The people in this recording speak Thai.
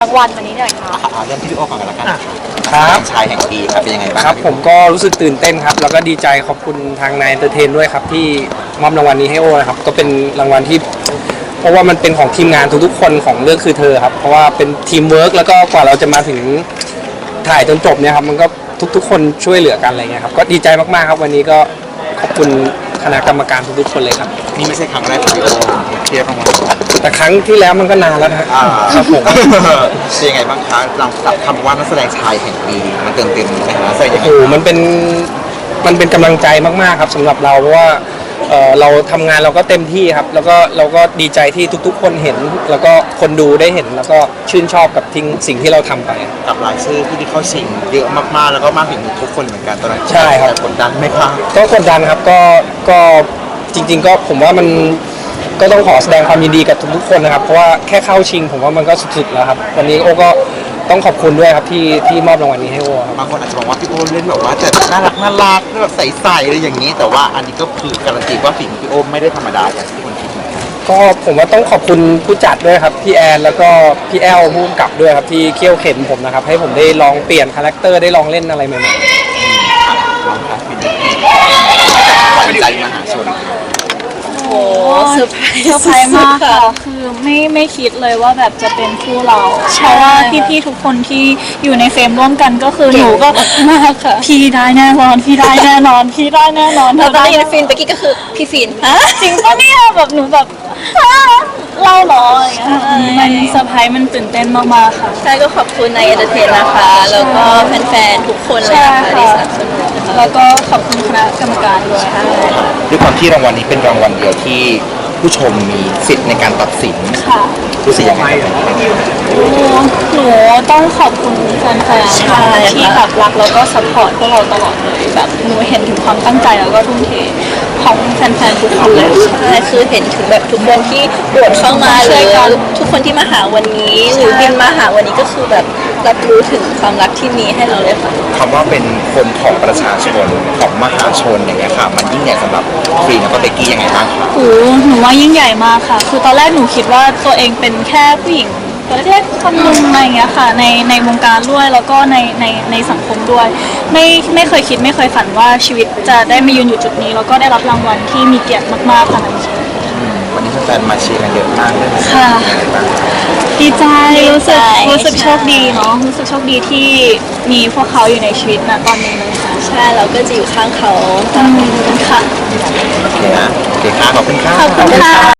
รางวัลวันนี้หน่อยค่ะเริ่มที่พี่โอก่อนกันละกันครับชายแห่งปีครับเป็นยังไงบ้างครับผมก็รู้สึกตื่นเต้นครับแล้วก็ดีใจขอบคุณทางนายเอนเตอร์เทนด้วยครับที่มอบรางวัลนี้ให้โอนะครับก็เป็นรางวัลที่เพราะว่ามันเป็นของทีมงานทุกๆคนของเรื่องคือเธอครับเพราะว่าเป็นทีมเวิร์กแล้วก็กว่าเราจะมาถึงถ่ายจนจบเนี่ยครับมันก็ทุกๆคนช่วยเหลือกันอะไรเงี้ยครับก็ดีใจมากๆครับวันนี้ก็ขอบคุณคณะกรรมการทุกๆคนเลยครับนี่ไม่ใช่ครั้งแรกของพี่โอเทียบรางวัลแต่ครั้งที่แล้วมันก็นานแล้วนะครับผมเป็นยังไงบ้างคะเราจับคำว่านักแสดงชายแห่งปีมันเติมเต็มในฐานะแสดงยังไงมันเป็นกำลังใจมากๆครับสำหรับเราเพราะว่าเราทำงานเราก็เต็มที่ครับแล้วก็เราก็ดีใจที่ทุกๆคนเห็นแล้วก็คนดูได้เห็นแล้วก็ชื่นชอบกับสิ่งที่เราทำไปกับรายชื่อผู้ที่เข้าชิงเยอะมากๆแล้วก็มากถึงทุกคนเหมือนกันตอนนั้นใช่ครับกดดันไหมครับก็กดดันครับก็จริงๆก็ผมว่ามันก็ต้องขอแสดงความยินดีกับทุกๆคนนะครับเพราะว่าแค่เข้าชิงผมว่ามันก็สุดๆแล้วครับวันนี้โอ้ก็ต้องขอบคุณด้วยครับที่มอบรางวัลนี้ให้โอ้ครับบางคนอาจจะบอกว่าพี่โอเล่นแบบว่าจะน่ารักแบบใสๆอะไรอย่างนี้แต่ว่าอันนี้ก็คือการันตีว่าฝีมือพี่โอไม่ได้ธรรมดาอย่างที่คนคิดก็ผมว่าต้องขอบคุณผู้จัดด้วยครับพี่แอนแล้วก็พี่แอลผู้กำกับด้วยครับที่เคี่ยวเข็นผมนะครับให้ผมได้ลองเปลี่ยนคาแรคเตอร์ได้ลองเล่นอะไรใหม่ๆขวัญใจมหาชนโอ้เซอร์ไพรส์มากค่ะคือไม่คิดเลยว่าแบบจะเป็นคู่เราเพราะว่าพี่ๆทุกคนที่อยู่ในเฟรมร่วมกันก็คือหนูก็มากค่ะพี่ได้แน่นอนพี่ได้แน่นอนพี่ได้แน่นอนแล้วตอนนี้ฟินไปกี้ก็คือพี่ฟินจริงปะเนี่ยแบบหนูแบบเล่าหรออะไรเงี้ยมันเซอร์ไพรส์มันตื่นเต้นมากๆค่ะใช่ก็ขอบคุณนายเอนเตอร์เทนนะคะแล้วก็แฟนๆทุกคนเลยนะคะที่สนับสนุนแล้วก็ขอบคุณคณะกรรมการด้วยด้วยความที่รางวัลนี้เป็นรางวัลเดียวที่ผู้ชมมีสิทธิ์ในการตัดสินรู้สึกยังไงหนูต้องขอบคุณแฟนๆที่แบบรักแล้วก็ซัพพอร์ตพวกเราตลอดเลยแบบหนูเห็นถึงความตั้งใจแล้วก็ทุ่มเทของแฟนๆทุกคนเลยใช่คือเห็นถึงแบบทุกคนที่โดดเข้ามาเลยทุกคนที่มาหาวันนี้หรือบินมาหาวันนี้ก็คือแบบรับรู้ถึงความรักที่มีให้เราเลยค่ะคำว่าเป็นคนของประชาชนของมหาชนอย่างเงี้ยค่ะมันยิ่งใหญ่สำหรับฟรีแล้วก็เบกกี้ยังไงบ้างคะหนูว่ายิ่งใหญ่มากค่ะคือตอนแรกหนูคิดว่าตัวเองเป็นแค่ผู้หญิงประเทศคนหนึ่งอะไรอย่างเงี้ยค่ะในวงการด้วยแล้วก็ในสังคมด้วยไม่เคยคิดไม่เคยฝันว่าชีวิตจะได้มายืนอยู่จุดนี้แล้วก็ได้รับรางวัลที่มีเกียรติมากๆขนาดนี้วันนี้แฟนมาเชียร์กันเยอะมากเลยค่ะดีใจรู้สึกโชคดีเนาะรู้สึกโชคดีที่มีพวกเขาอยู่ในชีวิตณตอนนี้เลยค่ะใช่เราก็จะอยู่ข้างเขาค่ะโอเคนะโอเคค่ะขอบคุณค่ะขอบคุณค่ะ